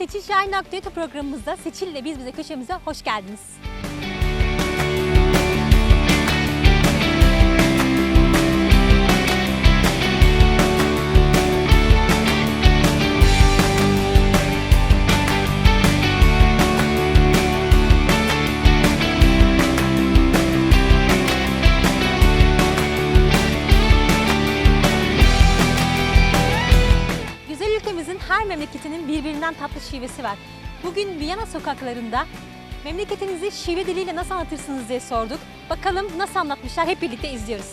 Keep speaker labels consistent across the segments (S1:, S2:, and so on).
S1: Seçil Şahin Aktualite programımızda Seçil ile Biz Bize köşemize hoş geldiniz. Güzel ülkemizin her memleketinin birbirinden tatlı şivesi var. Bugün Viyana sokaklarında memleketinizi şive diliyle nasıl anlatırsınız diye sorduk. Bakalım nasıl anlatmışlar, hep birlikte izliyoruz.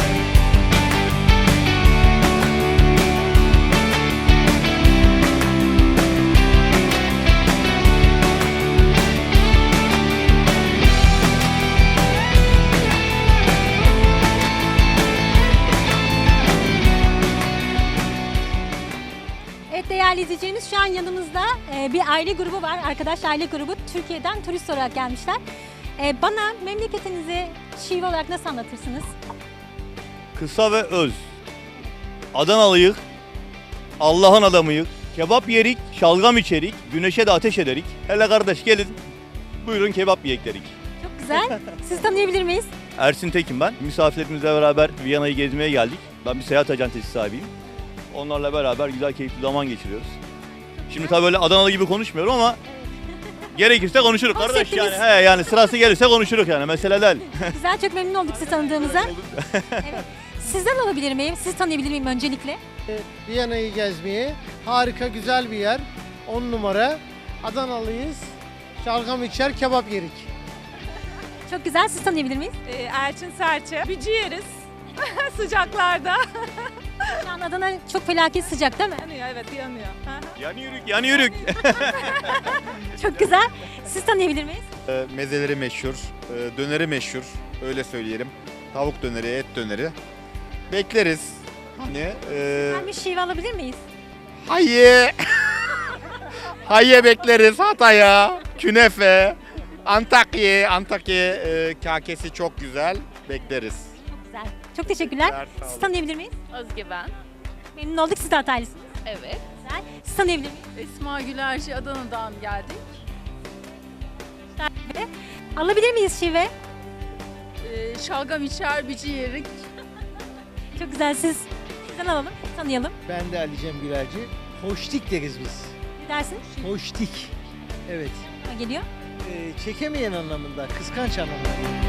S1: Evet değerli izleyicilerimiz, şu an yanımızda bir aile grubu var. Arkadaş aile grubu Türkiye'den turist olarak gelmişler. Bana memleketinizi şive olarak nasıl anlatırsınız?
S2: Kısa ve öz. Adanalıyık, Allah'ın adamıyık, kebap yerik, şalgam içerik, güneşe de ateş ederik. Hele kardeş gelin, buyurun kebap yiyek derik.
S1: Çok güzel. Sizi tanıyabilir miyiz?
S2: Ersin Tekin ben. Misafirlerimizle beraber Viyana'yı gezmeye geldik. Ben bir seyahat acentesi sahibiyim. Onlarla beraber güzel, keyifli zaman geçiriyoruz. Şimdi tabii öyle Adanalı gibi konuşmuyorum ama gerekirse konuşuruz kardeş
S1: Konseptimiz.
S2: yani. He yani sırası gelirse konuşuruz yani, mesele değil.
S1: Güzel, çok memnun olduk sizi tanıdığımıza. Evet. Sizden alabilir miyim? Sizi tanıyabilir miyim öncelikle?
S3: Viyana'yı gezmeye. Harika, güzel bir yer. 10 numara. Adanalıyız. Şalgam içer, kebap yerik.
S1: Çok güzel, sizi tanıyabilir miyiz?
S4: Elçin Serçe. Bücü yeriz sıcaklarda.
S1: Şu an Adana çok felaket sıcak değil mi?
S4: Yanıyor, evet yanıyor.
S2: Yani yürük, yani yürük.
S1: Çok güzel. Sizi tanıyabilir miyiz?
S5: Mezeleri meşhur, döneri meşhur, öyle söyleyelim. Tavuk döneri, et döneri. Bekleriz. Hani
S1: Ben bir şive alabilir miyiz?
S5: hayye. Hayye bekleriz Hatay'a, künefe, Antakya kakesi çok güzel. Bekleriz.
S1: Çok güzel. Çok teşekkürler.
S5: Sağ olun.
S1: Sizi tanıyabilir miyiz?
S6: Özge ben.
S1: Memnun olduk, siz de Hataylısınız.
S6: Evet.
S1: Güzel. Sizi tanıyabilir miyiz?
S6: Esma Gülerci, Adana'dan geldik.
S1: Alabilir miyiz şive?
S6: Şalgam içer, bici yerik.
S1: Çok güzel, sizden alalım, tanıyalım.
S3: Ben de Ali Cem Gülerci. Hoştik deriz biz.
S1: Ne dersin?
S3: Hoştik. Evet.
S1: Ha, geliyor.
S3: Çekemeyen anlamında, kıskanç anlamında.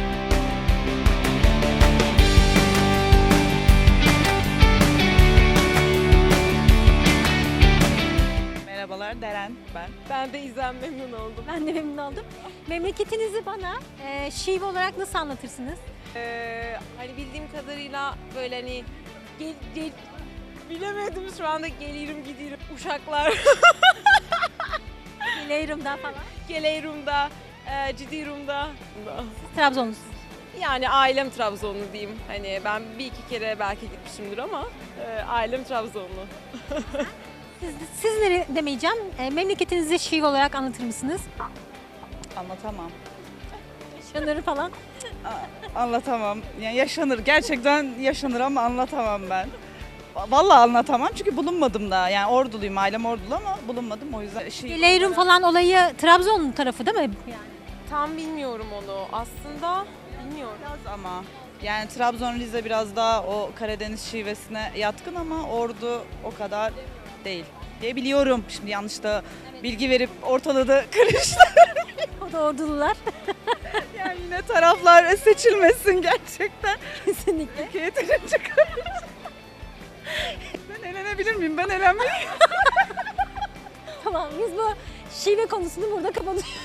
S4: Merhabalar, Deren ben. Ben de İzlem, memnun oldum.
S1: Ben de memnun oldum. Memleketinizi bana şive olarak nasıl anlatırsınız?
S4: Hani bildiğim kadarıyla böyle hani bilemedim şu anda, gelirim gidiyorum Uşaklar,
S1: Leyrum'dan falan.
S4: Geleyrum'da, Cidirum'da.
S1: Trabzonlusunuz.
S4: Yani ailem Trabzonlu diyeyim. Hani ben bir iki kere belki gitmişimdir ama ailem Trabzonlu.
S1: Siz ne demeyeceğim? Memleketinizi şive olarak anlatır mısınız?
S7: Anlatamam.
S1: Şunları falan.
S7: Anlatamam. Yani yaşanır. Gerçekten yaşanır ama anlatamam ben. Vallahi anlatamam çünkü bulunmadım da. Yani Orduluyum, ailem Ordulu ama bulunmadım o yüzden.
S1: Leyrum falan olayı Trabzon tarafı değil mi? Yani.
S4: Tam bilmiyorum onu. Aslında bilmiyorum.
S7: Biraz ama. Yani Trabzon, Rize biraz daha o Karadeniz şivesine yatkın ama Ordu o kadar değil diye biliyorum. Şimdi yanlış da bilgi verip ortalığı da karıştı.
S1: O da ordulular.
S7: Yani yine taraflar seçilmesin gerçekten.
S1: Kesinlikle.
S7: Yeterince karıştı. Ben eğlenebilir miyim? Ben eğlenmeyeyim.
S1: Tamam, biz bu şive konusunu burada kapatıyoruz.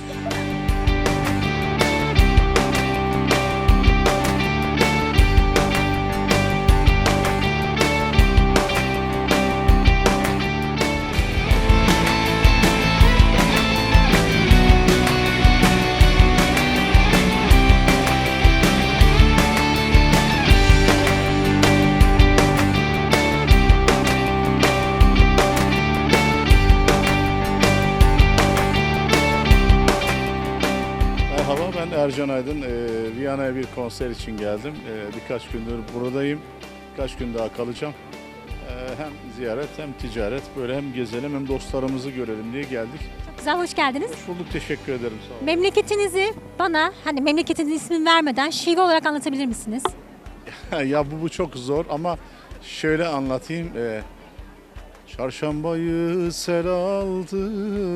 S8: Ben Ercan Aydın. Viyana'ya bir konser için geldim. Birkaç gündür buradayım. Birkaç gün daha kalacağım. Hem ziyaret hem ticaret. Böyle hem gezelim hem dostlarımızı görelim diye geldik.
S1: Çok güzel, hoş geldiniz.
S8: Hoş bulduk, teşekkür ederim. Sağ olun.
S1: Memleketinizi bana hani memleketinizin ismini vermeden şive olarak anlatabilir misiniz?
S8: Ya bu çok zor ama şöyle anlatayım. Çarşambayı sel aldı,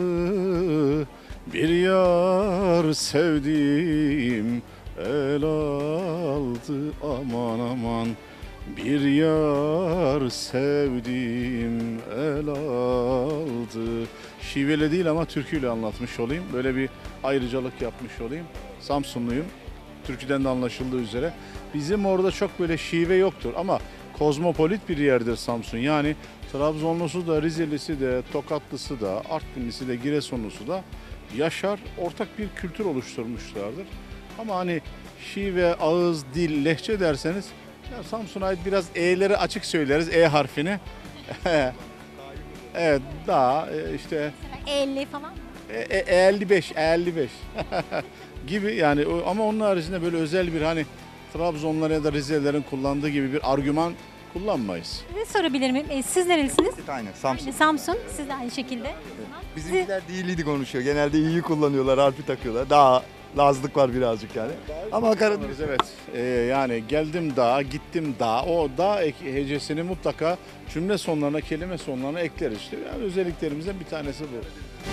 S8: bir yar sevdiğim el aldı, aman aman. Bir yar sevdiğim el aldı. Şiveli değil ama türküyle anlatmış olayım. Böyle bir ayrıcalık yapmış olayım. Samsunluyum. Türküden de anlaşıldığı üzere. Bizim orada çok böyle şive yoktur ama kozmopolit bir yerdir Samsun. Yani Trabzonlusu da, Rizelisi de, Tokatlısı da, Artvinlisi de, Giresunlusu da yaşar. Ortak bir kültür oluşturmuşlardır. Ama hani şive, ağız, dil, lehçe derseniz ya Samsun'a ait biraz E'leri açık söyleriz, E harfini. Evet, daha işte
S1: 50 falan.
S8: 55 gibi yani ama onun haricinde böyle özel bir hani Trabzonlar ya da Rizelilerin kullandığı gibi bir argüman kullanmayız.
S1: Size sorabilir miyim? Siz nerelisiniz?
S9: Aynen Samsun.
S1: Samsun. Siz de aynı şekilde.
S9: Bizimkiler değiliydi konuşuyor. Genelde iyiyi kullanıyorlar, harfi takıyorlar. Daha Lazlık var birazcık yani. Ama Karadeniz
S8: Evet yani geldim dağa, gittim dağa. O dağ hecesini mutlaka cümle sonlarına, kelime sonlarına ekleriz işte. Yani özelliklerimizden bir tanesi bu.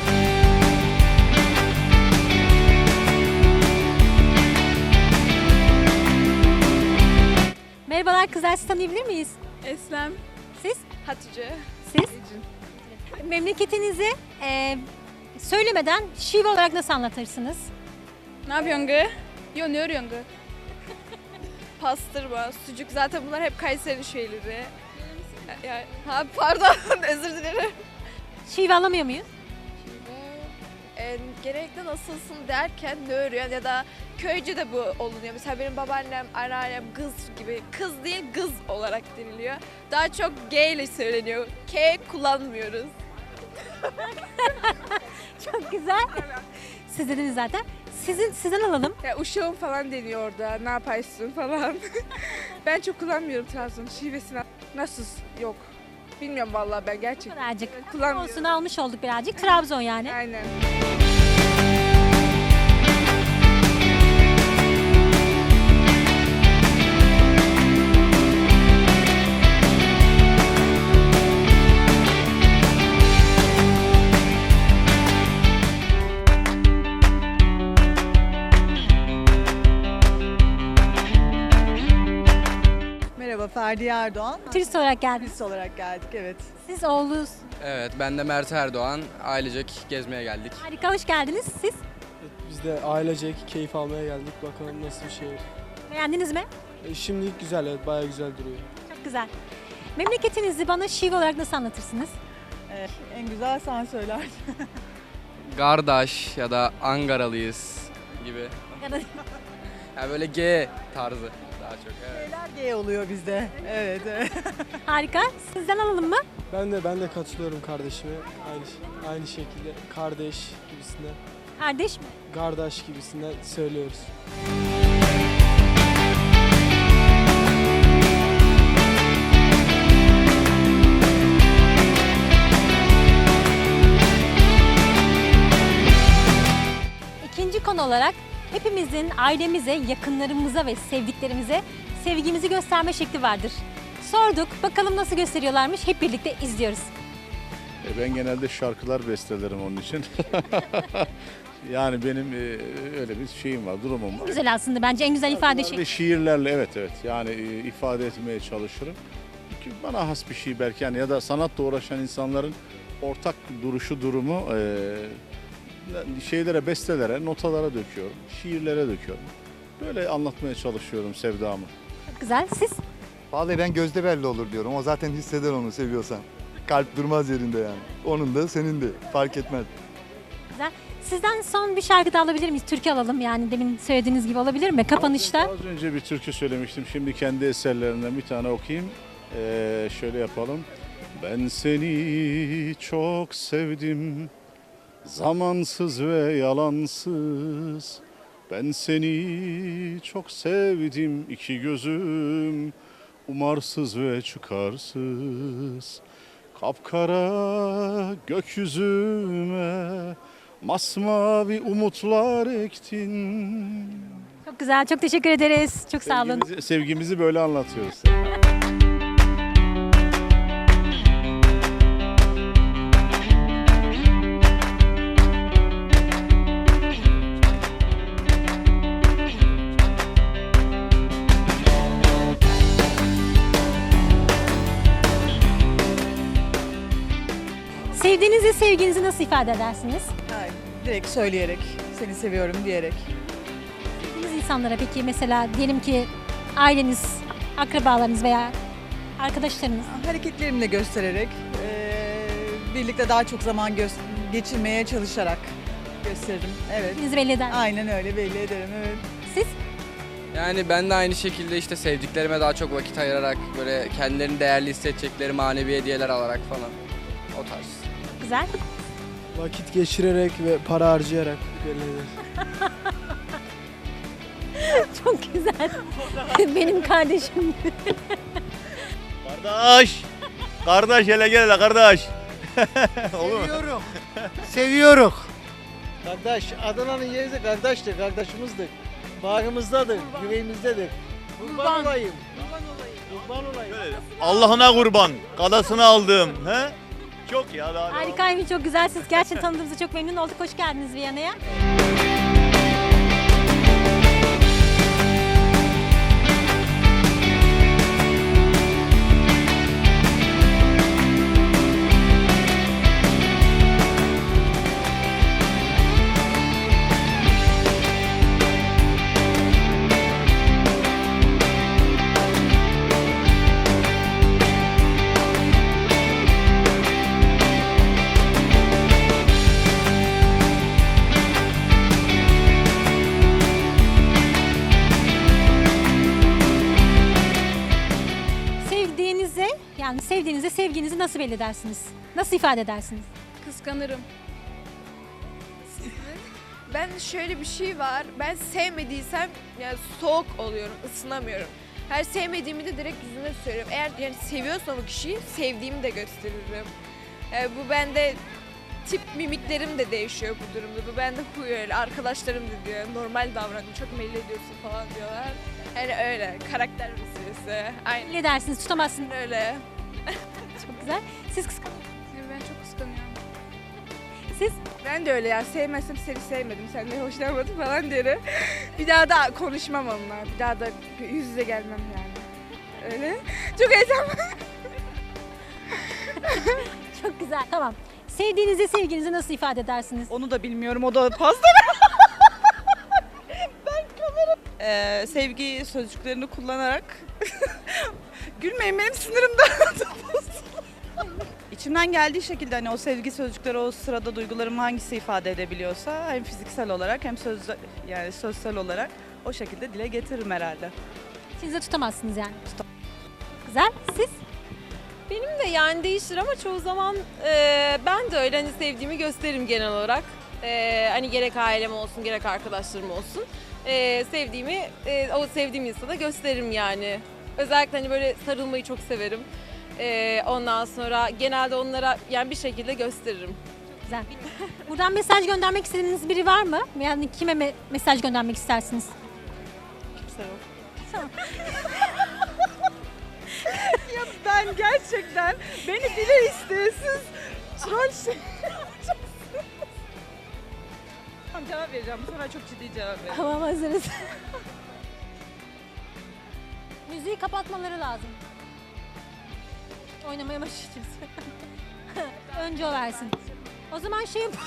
S1: Merhabalar kızlar, sizi tanıyabilir miyiz?
S6: Eslem.
S1: Siz?
S6: Hatice.
S1: Siz? Memleketinizi söylemeden şive olarak nasıl anlatırsınız?
S6: Ne yapıyorsun gı? Yo ne örüyorsun gı? Pastırma, sucuk zaten bunlar hep Kayseri şeyleri. Pardon özür dilerim.
S1: Şive alamıyor muyuz?
S6: Genellikle nasılsın derken ne örüyorsun ya da köyce de bu olunuyor. Mesela benim babaannem, anneannem kız gibi, kız değil kız olarak deniliyor. Daha çok G ile söyleniyor. K kullanmıyoruz.
S1: Çok güzel. Siz dediniz zaten. Sizden alalım.
S6: Ya uşağım falan deniyor orada. Ne yaparsın falan. Ben çok kullanmıyorum Trabzon şivesini. Nasıl? Yok. Bilmiyorum vallahi ben gerçekten.
S1: Birazcık.
S6: Kullanmıyorum.
S1: Olsun almış olduk birazcık. Trabzon yani.
S6: Aynen.
S10: Merhaba, Ferdiye Erdoğan.
S1: Turist olarak geldiniz.
S10: Turist olarak geldik, evet.
S1: Siz oğlunuz.
S11: Evet, ben de Mert Erdoğan. Ailecek gezmeye geldik.
S1: Harika, hoş geldiniz. Siz
S12: Biz de ailecek keyif almaya geldik. Bakalım nasıl bir şey.
S1: beğendiniz mi?
S12: Şimdilik güzel, evet, bayağı güzel duruyor.
S1: Çok güzel. Memleketinizi bana şive olarak nasıl anlatırsınız?
S10: En güzel sen söyler.
S11: Gardaş ya da Angaralıyız gibi.
S1: Ya da
S11: Yani böyle G tarzı daha çok. Evet.
S10: Şeyler G oluyor bizde. Evet, evet.
S1: harika. Sizden alalım mı?
S12: Ben de katılıyorum kardeşime. Aynı şekilde kardeş gibisinden,
S1: Kardeş mi?
S12: kardeş gibisinden söylüyoruz.
S1: İkinci konu olarak hepimizin ailemize, yakınlarımıza ve sevdiklerimize sevgimizi gösterme şekli vardır. Sorduk, bakalım nasıl gösteriyorlarmış, hep birlikte izliyoruz.
S8: Ben genelde şarkılar bestelerim onun için. Yani benim öyle bir şeyim var, durumum var.
S1: Güzel aslında, bence en güzel ifade
S8: Ve
S1: şekli.
S8: şiirlerle evet yani ifade etmeye çalışırım. Ki bana has bir şey belki yani ya da sanatla uğraşan insanların ortak duruşu, durumu şeylere, bestelere, notalara döküyorum, şiirlere döküyorum. Böyle anlatmaya çalışıyorum sevdamı.
S1: Çok güzel. Siz?
S9: Vallahi ben gözde belli olur diyorum. O zaten hisseder onu seviyorsan. Kalp durmaz yerinde yani. Onun da senin de fark etmez.
S1: Güzel. Sizden son bir şarkı da alabilir miyiz? Türkü alalım yani demin söylediğiniz gibi olabilir mi? Kapanışta.
S8: Az önce bir türkü söylemiştim. Şimdi kendi eserlerinden bir tane okuyayım. Şöyle yapalım. Ben seni çok sevdim. Zamansız ve yalansız. Ben seni çok sevdim. İki gözüm umarsız ve çıkarsız. Kapkara gökyüzüme masmavi umutlar ektin.
S1: Çok güzel, çok teşekkür ederiz. Çok sağ olun.
S8: Sevgimizi böyle anlatıyoruz.
S1: Sevdiğinizi, sevginizi nasıl ifade edersiniz?
S10: Yani direkt söyleyerek, seni seviyorum diyerek.
S1: Sevdiğiniz insanlara peki mesela diyelim ki aileniz, akrabalarınız veya arkadaşlarınız.
S10: Hareketlerimle göstererek, birlikte daha çok zaman geçirmeye çalışarak gösteririm. Evet.
S1: Sevdiğinizi belli eder.
S10: Aynen öyle belli ederim, evet.
S1: Siz?
S11: Yani ben de aynı şekilde işte sevdiklerime daha çok vakit ayırarak böyle kendilerini değerli hissedecekleri manevi hediyeler alarak falan o tarz.
S1: Güzel.
S12: Vakit geçirerek ve para harcayarak belli eder.
S1: Çok güzel. Benim kardeşim.
S2: Kardeş! Kardeş hele gel hele kardeş. Olur mu?
S3: Seviyorum. Seviyoruz. Kardeş, Adana'nın yeri de kardeştir, kardeşimizdir. Bağrımızdadır, yüreğimizdedir. Kurban olayım. Kurban olayım.
S2: Allah'ına kurban. Kadasını aldım. He? Çok ya daha.
S1: Harikaymış, çok güzelsiniz. Gerçekten tanıdığımıza çok memnun olduk. Hoş geldiniz Viyana'ya. Yani sevdiğinizi, sevginizi nasıl belli edersiniz? Nasıl ifade edersiniz?
S6: Kıskanırım. Ben şöyle bir şey var. Ben sevmediysem yani soğuk oluyorum, ısınamıyorum. Her sevmediğimi de direkt yüzüne söylüyorum. Eğer yani seviyorsam o kişiyi sevdiğimi de gösteririm. Yani bu bende tip mimiklerim de değişiyor bu durumda. Bu bende huy öyle. Arkadaşlarım da diyor normal davran, çok belli ediyorsun falan diyorlar. Yani öyle karakter meselesi. Aynen.
S1: Belli edersiniz, tutamazsınız.
S6: Öyle.
S1: Çok güzel. Siz kıskan...
S6: Ben çok kıskanıyorum.
S1: Siz?
S6: Ben de öyle ya. Sevmezsem seni sevmedim, senden hoşlanmadım falan derim. Bir daha da konuşmam onunla. Bir daha da yüz yüze gelmem yani. Öyle. Çok heyecanlı.
S1: Çok güzel. Tamam. Sevdiğinizi, sevginizi nasıl ifade edersiniz?
S7: Onu da bilmiyorum, o da fazla. Ben kamera... sevgi sözcüklerini kullanarak... Gülmeyin, benim sinirimden İçimden geldiği şekilde hani o sevgi sözcükleri o sırada duygularımı hangisi ifade edebiliyorsa hem fiziksel olarak hem yani sözsel olarak o şekilde dile getiririm herhalde.
S1: Siz de tutamazsınız yani. Güzel. Siz?
S4: Benim de yani değişir ama çoğu zaman ben de öyle hani sevdiğimi gösteririm genel olarak. Hani gerek ailem olsun gerek arkadaşlarım olsun. Sevdiğimi o sevdiğim insana gösteririm yani. Özellikle hani böyle sarılmayı çok severim. Ondan sonra genelde onlara yani bir şekilde gösteririm.
S1: Güzel. Buradan mesaj göndermek istediğiniz biri var mı? Yani kime mesaj göndermek istersiniz?
S7: Kimse yok. Ya ben gerçekten beni bile isteyesiz troll şey Tamam, cevap vereceğim. Bu sefer çok ciddi cevap vereceğim.
S1: Tamam, hazırız. Müziği kapatmaları lazım. Oynamaya başlayacağız. Önce o versin. O zaman şey yap.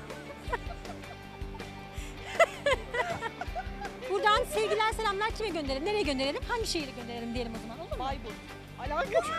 S1: Buradan sevgiler, selamlar kime gönderelim? Nereye gönderelim? Hangi şehire gönderelim diyelim o zaman, olur mu?
S7: Bayburt. Alakası.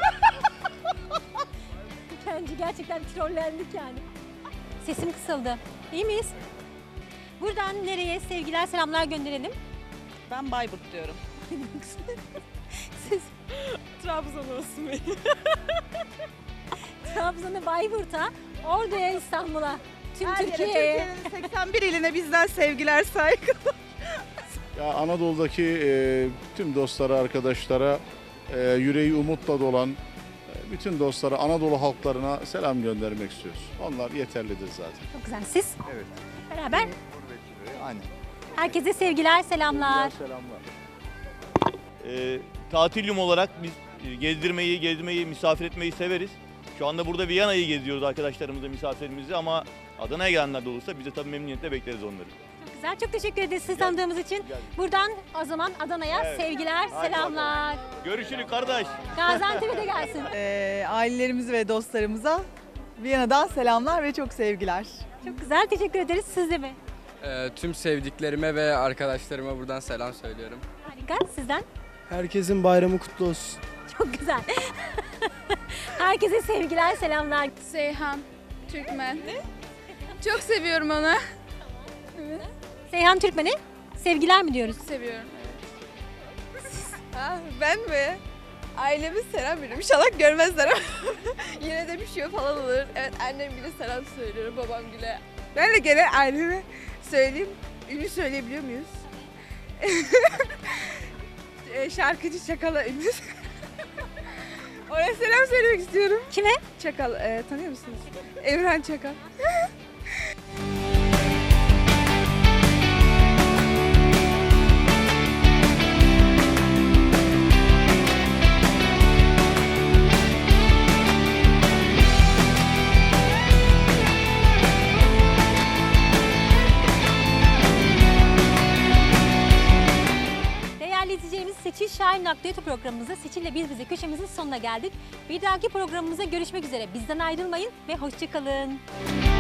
S1: Bence gerçekten trollendik yani. Sesim kısıldı. İyi miyiz? Buradan nereye sevgiler, selamlar gönderelim?
S7: Ben Bayburt diyorum.
S1: Siz?
S4: Trabzon olsun benim.
S1: Trabzon'a, Bayburt'a, Ordu'ya, İstanbul'a, tüm
S7: Her yere,
S1: Türkiye'ye.
S7: Türkiye'nin 81 iline bizden sevgiler, saygılar.
S8: Ya Anadolu'daki tüm dostlara, arkadaşlara yüreği umutla dolan bütün dostlara, Anadolu halklarına selam göndermek istiyoruz. Onlar yeterlidir zaten.
S1: Çok güzel. Siz?
S9: Evet.
S1: Beraber.
S9: Aynen.
S1: Herkese sevgiler, selamlar.
S8: Selamlar.
S2: Tatilyum olarak biz gezdirmeyi, misafir etmeyi severiz. Şu anda burada Viyana'yı geziyoruz arkadaşlarımızla, misafirlerimizi ama Adana'ya gelenler de olursa biz de tabii memnuniyetle bekleriz onları.
S1: Çok güzel. Çok teşekkür ederiz sizi tanıdığımız için. Buradan o zaman Adana'ya
S2: Evet.
S1: sevgiler, selamlar.
S2: Görüşürüz kardeş.
S1: Gaziantep'e de gelsin.
S10: Ailelerimize ve dostlarımıza Viyana'dan selamlar ve çok sevgiler.
S1: Çok güzel. Teşekkür ederiz. Siz de mi?
S11: Tüm sevdiklerime ve arkadaşlarıma buradan selam söylüyorum.
S1: Harika. Sizden?
S12: Herkesin bayramı kutlu olsun.
S1: Çok güzel. Herkese sevgiler, selamlar.
S6: Seyhan Türkmen. Çok seviyorum onu.
S1: Seyhan Türkmen'e sevgiler mi diyoruz?
S6: Seviyorum. Ben mi? Aileme selam veriyorum. İnşallah görmezler ama yine de bir şey falan olur. Evet, annem bile selam söylüyorum, babam bile. Ben de gene aileme söyleyeyim. Ünlü söyleyebiliyor muyuz? Şarkıcı Çakal'a ünlü. Oraya selam söylemek istiyorum.
S1: Kime?
S6: Çakal, tanıyor musunuz? Evren Çakal.
S1: Değerli izleyicilerimiz, Seçil Şahin Aktivite programımızda Seçil'le Biz Bize köşemizin sonuna geldik. Bir dahaki programımıza görüşmek üzere. Bizden ayrılmayın ve hoşça kalın.